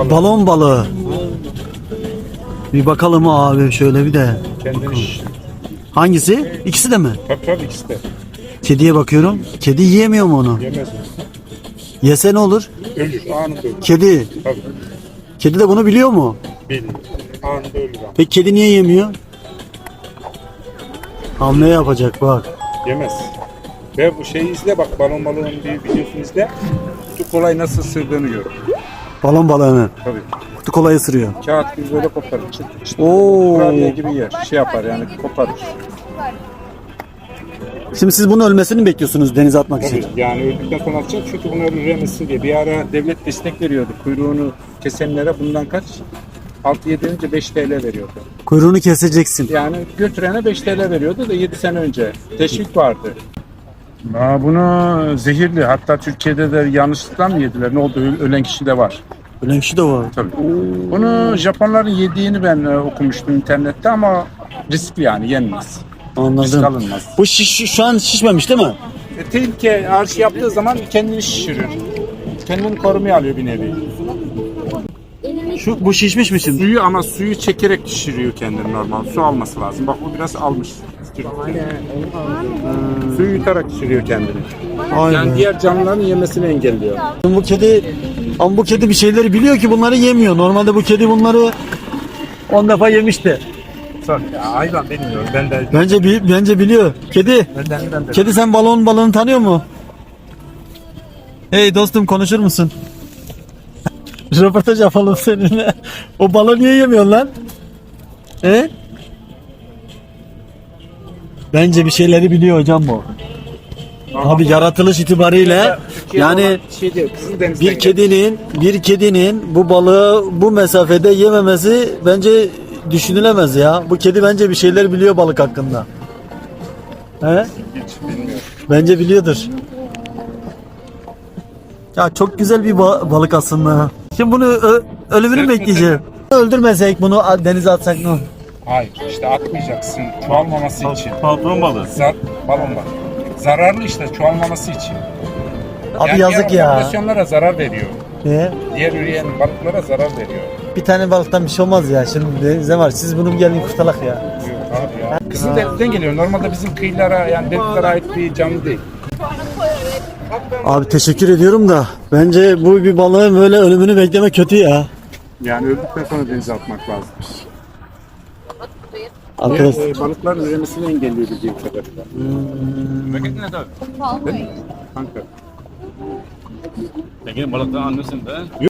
balon balığı. Bir bakalım abi şöyle bir de. Kendini Hangisi? İkisi de mi? tabii ikisi de. Kediye bakıyorum. Kedi yiyemiyor mu onu? Yemez mi? Yese ne olur? Ölür. Anında ölür. Kedi. Tabii. Kedi de bunu biliyor mu? Bilmiyor. Anında ölür ama. Peki kedi niye yemiyor? Hamle yapacak bak. Yemez. Ve bu şeyi izle bak, balon balığının bir videosunu izle. Kutu kolay nasıl ısırdığını gör. Balon balığını. Tabii. Kutu kolayı ısırıyor. Kağıt gibi böyle koparır. Oo. Kurabiye gibi yer. Şey yapar yani, koparır. Şimdi siz bunun ölmesini mi bekliyorsunuz denize atmak için? Tabii yani öldükten sonra atacak çünkü bunu öldüremesin diye. Bir ara devlet destek veriyordu. Kuyruğunu kesenlere bundan kaç? 6-7 önce 5 TL veriyordu. Kuyruğunu keseceksin. Yani götürene 5 TL veriyordu da 7 sene önce. Teşvik vardı. Bunu zehirli. Hatta Türkiye'de de yanlışlıkla mı yediler? Ne oldu? Ölen kişi de var. Öyle bir şey de var. Tabii. Bunu Japonların yediğini ben okumuştum internette ama riskli yani yenmez. Risk Anladım. alınmaz. Bu şu an şişmemiş değil mi? Tehlike arşı yaptığı zaman kendini şişirir. Kendini korumaya alıyor bir nevi. Bu şişmiş mi şimdi? Suyu çekerek şişiriyor kendini normal. Su alması lazım. Bak bu biraz almış. Suyu yutarak şişiriyor kendini. Aynen. Yani diğer canlıların yemesini engelliyor. Bu kedi ama bu kedi bir şeyleri biliyor ki bunları yemiyor. Normalde bu kedi bunları 10 defa yemişti. Ya hayvan bilmiyorum. Ben de Bence biliyor. Kedi. ben de. Kedi sen balon balığını tanıyor mu? Hey dostum konuşur musun? Röportaj yapalım seninle. O balığı niye yemiyorsun lan? He? Bence bir şeyleri biliyor hocam bu. Abi yaratılış itibariyle yani bir kedinin bu balığı bu mesafede yememesi bence düşünülemez ya. Bu kedi bence bir şeyler biliyor balık hakkında. He? Hiç bilmiyorum. Bence biliyordur. Ya çok güzel bir balık aslında. Şimdi bunu ölümünü mü bekleyeceğim? Öldürmesek bunu denize atsak ne olur? Hayır işte atmayacaksın çoğalmaması için. Balon balığı. Balon balığı. Zararlı işte çoğalmaması için. Abi yazık diğer ya. popülasyonlara zarar veriyor. Ne? Diğer üreyen balıklara zarar veriyor. Bir tane balıktan bir şey olmaz ya. Şimdi denize var. Siz bunu gelin kurtalak ya. Yok abi ya. Kızıldeniz'den geliyor. Normalde bizim kıyılara yani denizlere ait bir canlı değil. Abi teşekkür ediyorum da bence bu bir balığın böyle ölümünü bekleme kötü ya. Yani öldükten sonra denize atmak lazım. Arkadaş. Balıkların üremesini engelliyor bildiğim kadarıyla. Kanka. Peki balıktan anlıyorsun da.